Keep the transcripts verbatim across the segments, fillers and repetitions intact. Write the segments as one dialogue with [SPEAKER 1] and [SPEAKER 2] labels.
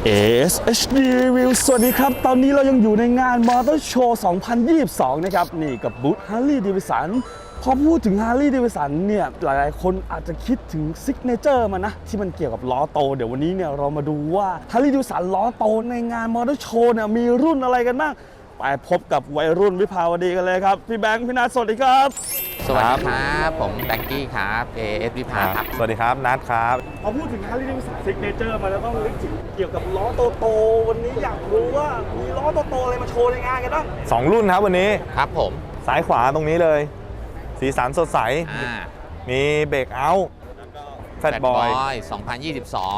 [SPEAKER 1] เอ เอส เอช ดี Review สวัสดีครับตอนนี้เรายังอยู่ในงาน Motor Show สองพันยี่สิบสอง นะครับนี่กับบูธ Harley Davidson พอพูดถึง Harley Davidson เนี่ยหลายๆคนอาจจะคิดถึงซิกเนเจอร์มันนะที่มันเกี่ยวกับล้อโตเดี๋ยววันนี้เนี่ยเรามาดูว่า Harley Davidson ล้อโตในงาน Motor Show เนี่ยมีรุ่นอะไรกันบ้างไปพบกับวัยรุ่นวิภาวดีกันเลยครับพี่แบงค์พี่นัทสวัสดีครับ
[SPEAKER 2] สวัสดีครับผมแบงกี้ครับ เอ เอส วิภาครับ
[SPEAKER 3] สวัสดีครับนัทครับ
[SPEAKER 1] พอพูดถึง Harley Davidson Signature มาแล้วต้องนึกถึงเกี่ยวกับล้อโตๆวันนี้อยากรู้ว่ามีล้อโตๆอะไรมาโชว์ในงานกันบ้าง
[SPEAKER 3] สองรุ่นครับวันนี้
[SPEAKER 2] ครับผม
[SPEAKER 3] ซ้ายขวาตรงนี้เลยสีสันสดใสมีเบรกเอาท์แฟตบอย
[SPEAKER 2] สองพันยี่สิบสอง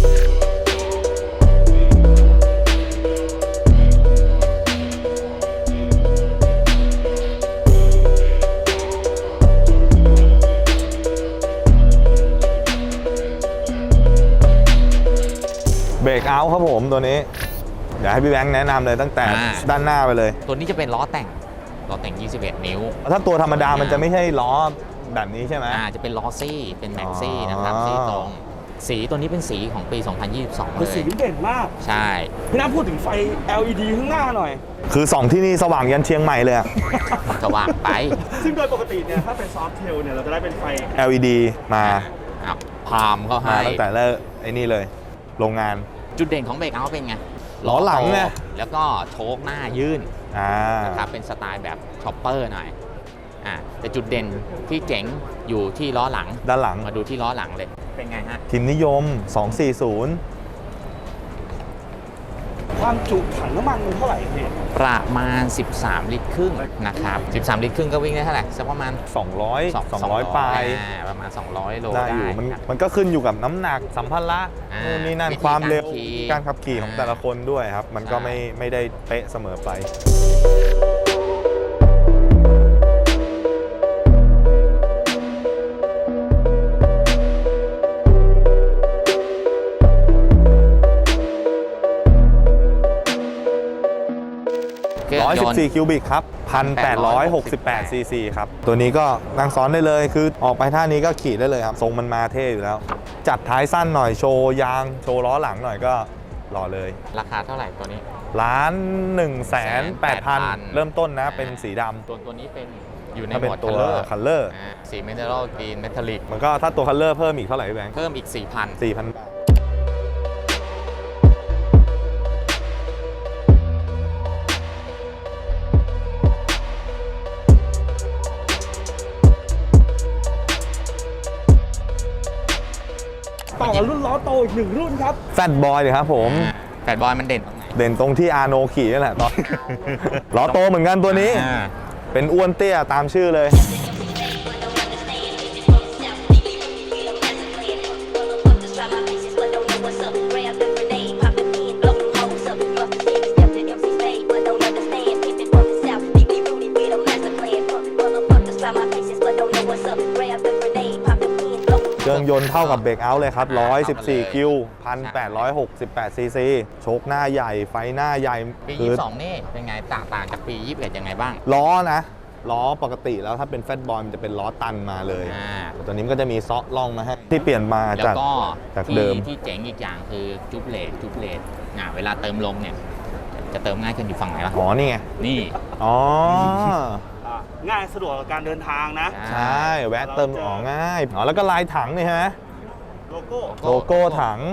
[SPEAKER 3] เบรกเอาท์ครับผมตัวนี้เดี๋ยวให้พี่แบงค์แนะนำเลยตั้งแต่ด้านหน้าไปเลย
[SPEAKER 2] ตัวนี้จะเป็นล้อแต่งล้อแต่งยี่สิบเอ็ดนิ้ว
[SPEAKER 3] ถ้าตัวธรรมดามันจะไม่ใช่ล้อแบบนี้ใช่ไหม
[SPEAKER 2] อ่าจะเป็นล้อซี่เป็นแม็กซี่นะครับสีตรงสีตัวนี้เป็นสีของปีสองพันยี่สิบสองเลย
[SPEAKER 1] สีเด่นมาก
[SPEAKER 2] ใช่
[SPEAKER 1] พี่น้าพูดถึงไฟ แอล อี ดี ข้างหน้าหน่อย
[SPEAKER 3] คือสองที่นี่สว่างยันเชียงใหม่เลย
[SPEAKER 2] สว่างไป
[SPEAKER 1] ซึ่งโดยปกติเนี่ยถ้าเป็นซอฟต์เทลเนี่ยเราจะได้เป็นไฟ
[SPEAKER 3] แอล อี ดี มา
[SPEAKER 2] พามเขาให้
[SPEAKER 3] ตั้งแต่เริ่มไอ้นี่เลยโรงงาน
[SPEAKER 2] จุดเด่นของเบรกเอาท์เป็นไง
[SPEAKER 3] ล้อหลังเนี่ย
[SPEAKER 2] แล้วก็โชคหน้ายื่น
[SPEAKER 3] อ่า
[SPEAKER 2] นะครับเป็นสไตล์แบบช็อปเปอร์หน่อยอ่าแต่จุดเด่นที่เจ๋งอยู่ที่ล้อหลัง
[SPEAKER 3] ด้านหลัง
[SPEAKER 2] มาดูที่ล้อหลังเลยเป็นไงฮะ
[SPEAKER 3] ทีมนิยมสองสี่ศูนย์
[SPEAKER 1] ความจุถังน้ำมันเท่าไหร่พี่
[SPEAKER 2] ประมาณสิบสามลิตรครึ่งนะครับสิบสามลิตรครึ่งก็วิ่งได้เท่าไหร่สักประมาณ
[SPEAKER 3] สองร้อยสองร้อยปลาย
[SPEAKER 2] ประมาณสองร้อยโล
[SPEAKER 3] ได้อยู่มันมันก็ขึ้นอยู่กับน้ำหนักสัมภาระนู่นนี่นั่นความเร็วการขับขี่ของแต่ละคนด้วยครับมันก็ไม่ไม่ได้เป๊ะเสมอไปหนึ่งร้อยสิบสี่คิวบิกครับ หนึ่งพันแปดร้อยหกสิบแปด ซีซีครับตัวนี้ก็นั่งซ้อนได้เลยคือออกไปท่านี้ก็ขี่ได้เลยครับทรงมันมาเท่อยู่แล้วจัดท้ายสั้นหน่อยโชว์ยางโชว์ล้อหลังหน่อยก็หล่อเลย
[SPEAKER 2] ราคาเท่าไหร่ตัวนี้
[SPEAKER 3] ล้านหนึ่งแสนแปดพันเริ่มต้นนะเป็นสีดำ
[SPEAKER 2] ตัวตัวนี้เป็นอยู่ใน
[SPEAKER 3] หมวดตัวคัลเลอร์
[SPEAKER 2] สีเมทัลกรีนเมทัลลิก
[SPEAKER 3] มันก็ถ้าตัวคัลเลอร์เพิ่มอีกเท่าไหร่พี่แบงค์
[SPEAKER 2] เพิ่มอีก สี่พัน
[SPEAKER 3] สี่พัน
[SPEAKER 1] ต่อรุ่นล้อโตอีกหนึ่งรุ่นครับ
[SPEAKER 3] แฟตบอยเลยครับผม
[SPEAKER 2] แฟตบอยมันเด่น
[SPEAKER 3] เด่นตรงที่อาโนขี่นี่แหละตอนล้อโตเหมือนกันตัวนี้เป็นอ้วนเตี้ยตามชื่อเลยเครื่องยนต์เท่ากับเบรกเอาท์เลยครับหนึ่งร้อยสิบสี่คิว หนึ่งพันแปดร้อยหกสิบแปด ซีซีโชคหน้าใหญ่ไฟหน้าใหญ่
[SPEAKER 2] ปียี่สิบสองนี่เป็นไงต่างต่างจากปียี่สิบเอ็ดยังไงบ้าง
[SPEAKER 3] ล้อนะล้อปกติแล้วถ้าเป็นแฟตบอยมันจะเป็นล้อตันมาเลยแต่ตัวนี้มันก็จะมีซอล่องมาให้ที่เปลี่ยนมาจากจากเดิม
[SPEAKER 2] ที่เจ๋งอีกอย่างคือจุ๊บเลทจุ๊บเลทอ่าเวลาเติมลมเนี่ยจะเติมง่ายขึ้นอยู่ฝั่งไหนวะ
[SPEAKER 3] อ๋อนี่ไง
[SPEAKER 2] นี่
[SPEAKER 3] อ๋อ
[SPEAKER 1] ง่ายสะดวกกับการเดินทางนะ
[SPEAKER 3] ใช่แวะเติมอ๋อง่ายอ๋อแล้วก็ลายถังนี่ใช่ไหม
[SPEAKER 1] โลโก้
[SPEAKER 3] โลโก้ถัง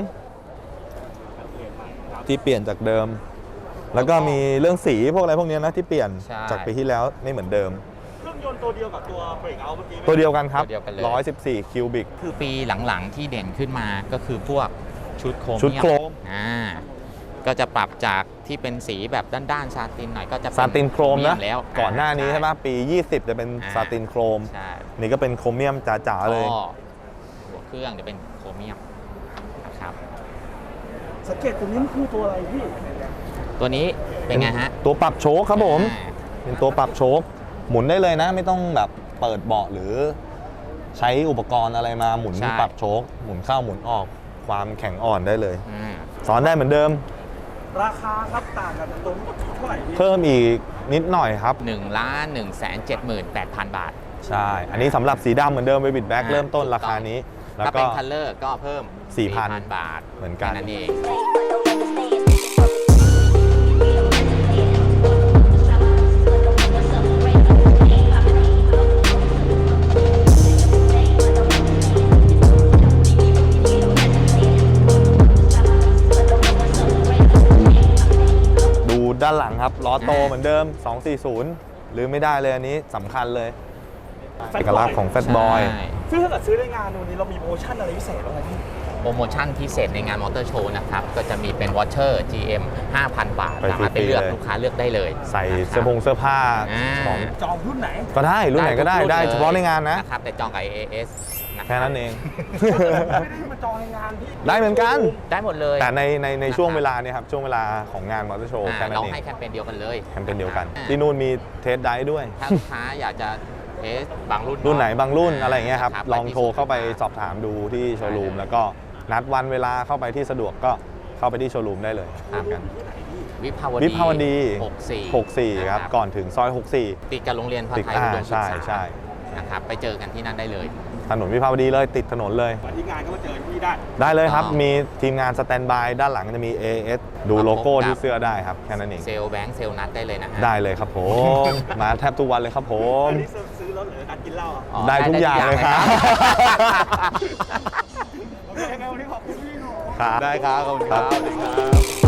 [SPEAKER 3] ที่เปลี่ยนจากเดิมแล้วก็มีเรื่องสีพวกอะไรพวกนี้นะที่เปลี่ยนจากปีที่แล้วไม่เหมือนเดิม
[SPEAKER 1] เครื่องยนต์ตัวเดียวกับตัวเบรกเอาท์เมื่อกี้
[SPEAKER 3] ตัวเดียวกันครับหนึ่งร้อยสิบสี่คิวบิก
[SPEAKER 2] คือปีหลังๆที่เด่นขึ้นมาก็คือพวกชุดโครม
[SPEAKER 3] ชุดโครม
[SPEAKER 2] อ่าก็จะปรับจากที่เป็นสีแบบด้านๆซาตินหน่อยก็จะ
[SPEAKER 3] ซาตินโครมนะ
[SPEAKER 2] แล้ว
[SPEAKER 3] ก่อนหน้านี้ใช่ไหมปียี่สิบจะเป็นซาตินโครมนี่ก็เป็นโครเมียมจ๋าๆเลย
[SPEAKER 2] หัวเครื่องจะเป็นโครเมียมนะครับ
[SPEAKER 1] สังเกตตัวนี้คือตัวอะไรพี่
[SPEAKER 2] ตัวนี้เป็นไงฮะ
[SPEAKER 3] ตัวปรับโชคครับผมเป็นตัวปรับโชคหมุนได้เลยนะไม่ต้องแบบเปิดเบาะหรือใช้อุปกรณ์อะไรมาหมุนปรับโชคหมุนเข้าหมุนออกความแข็งอ่อนได้เลยสอนได้เหมือนเดิม
[SPEAKER 1] ราคาครับต่างกันตรงเท่าไหร่
[SPEAKER 3] เพิ่มอีกนิดหน่อยครับ
[SPEAKER 2] หนึ่งล้านหนึ่งแสนเจ็ดหมื่นแปดพัน บาท
[SPEAKER 3] ใช่อันนี้สำหรับสีดำเหมือนเดิมเบบิดแบ็กเริ่มต้นราคานี้
[SPEAKER 2] ถ้าเป็นคัลเลอร์ก็เพิ่ม
[SPEAKER 3] สี่พัน
[SPEAKER 2] บาท
[SPEAKER 3] เหมือนกัน
[SPEAKER 2] นั่นเอง
[SPEAKER 3] ด้านหลังครับล้อโต
[SPEAKER 2] อ่า
[SPEAKER 3] เหมือนเดิม สองสี่ศูนย์ หรือไม่ได้เลยอันนี้สำคัญเลย
[SPEAKER 1] Fat
[SPEAKER 3] เอกลักษณ์ของแฟตบอย
[SPEAKER 2] ใช่
[SPEAKER 1] ซึ่งถ้าเกิดซื้อในงานวันนี้เรามีโปรโมชั่นอะไรพิเศษบ้างไหมพี่
[SPEAKER 2] โปรโมชั่นพิเศษในงานมอเตอร์โชว์นะครับ ก็จะมีเป็นวอชเชอร์ จี เอ็ม ห้าพัน บาท
[SPEAKER 3] ไป
[SPEAKER 2] สามารถไปเลือก
[SPEAKER 3] ฟรีๆเลย
[SPEAKER 2] ลูกค้าเลือกได้เลย
[SPEAKER 3] ใส่
[SPEAKER 2] นะครับ
[SPEAKER 3] เสื้อผงเสื้อผ้า
[SPEAKER 2] อ่า
[SPEAKER 3] ของ
[SPEAKER 1] จองรุ่นไหน
[SPEAKER 3] ก็ได้รุ่นไหนก็ได้
[SPEAKER 2] ทุ
[SPEAKER 3] ได้
[SPEAKER 2] รุ่ลย
[SPEAKER 3] เฉพาะในงานนะ
[SPEAKER 2] นะครับแต่จองกับ เอ เอ เอส ะรับ
[SPEAKER 3] แค่นั้นเอง
[SPEAKER 1] ไม่ได้มาจองในงานที่
[SPEAKER 3] ได้เหมือนกัน
[SPEAKER 2] ได้หมดเลย
[SPEAKER 3] แต่ในในใน
[SPEAKER 2] นะครับ
[SPEAKER 3] ช่วงเวลาเนี่ยครับช่วงเวลาของงานมอเตอร์โชว์
[SPEAKER 2] อ่า
[SPEAKER 3] แค่นั้น
[SPEAKER 2] เรา
[SPEAKER 3] เอง
[SPEAKER 2] ให้แคมเปญเดียวกันเลย
[SPEAKER 3] แคมเปญเดียวกัน
[SPEAKER 2] อ่า
[SPEAKER 3] ที่นู่นมีเทสไดร์ด้วย
[SPEAKER 2] ถ้าลูกค้าอยากจะเทสบางรุ่น
[SPEAKER 3] รุ่นไหนบางรุ่น
[SPEAKER 2] อ่
[SPEAKER 3] อะไรอย่างเงี้ยครับ
[SPEAKER 2] นะ
[SPEAKER 3] ลองโทรเข้าไปสอบถามดูที่โชว์รูม แล้วก็นัดวันเวลาเข้าไปที่สะดวกก็เข้าไปที่โชว์รูมได้เลย
[SPEAKER 2] ครับ
[SPEAKER 3] กัน
[SPEAKER 2] วิภาว
[SPEAKER 3] วิ
[SPEAKER 2] ดี
[SPEAKER 3] ภาวดี
[SPEAKER 2] หกสี่
[SPEAKER 3] หกสี่ครับ
[SPEAKER 2] นะ
[SPEAKER 3] ก่อนถึงซอยหกสี่
[SPEAKER 2] ติดกับโรงเรียนพา
[SPEAKER 3] ติด
[SPEAKER 2] ไทย
[SPEAKER 3] อ่า
[SPEAKER 2] อุดมศึกษา
[SPEAKER 3] ใช่ใช่
[SPEAKER 2] นะครับไปเจอกันที่นั่นได้เลย
[SPEAKER 3] ถนนวิภาวดีเลยติดถนนเลย
[SPEAKER 1] มาที่งานก็มาเจอพี่ได้
[SPEAKER 3] ได้เลยครับ
[SPEAKER 2] อ๋อ
[SPEAKER 3] มีทีมงานสแตนบายด้านหลังจะมี เอ เอส ดูโลโก้ที่เสื้อได้ครับ แค่นั้นเอง
[SPEAKER 2] เซลล์แบงค์เซลล์นัดได้เลยนะฮะ
[SPEAKER 3] ได้เลยครับผม มาแทบทุกวันเลยครับผม
[SPEAKER 1] อันนี้ซื้อรถหรือการกินเหล้าอ่ะ
[SPEAKER 2] อ๋อ
[SPEAKER 3] ได้ทุกอย่างเลยครับ
[SPEAKER 1] โอเคงั้นวันนี้ขอบคุณพี่หนู
[SPEAKER 3] ครับ
[SPEAKER 2] ได้ครับขอบคุณครับ
[SPEAKER 3] ครับ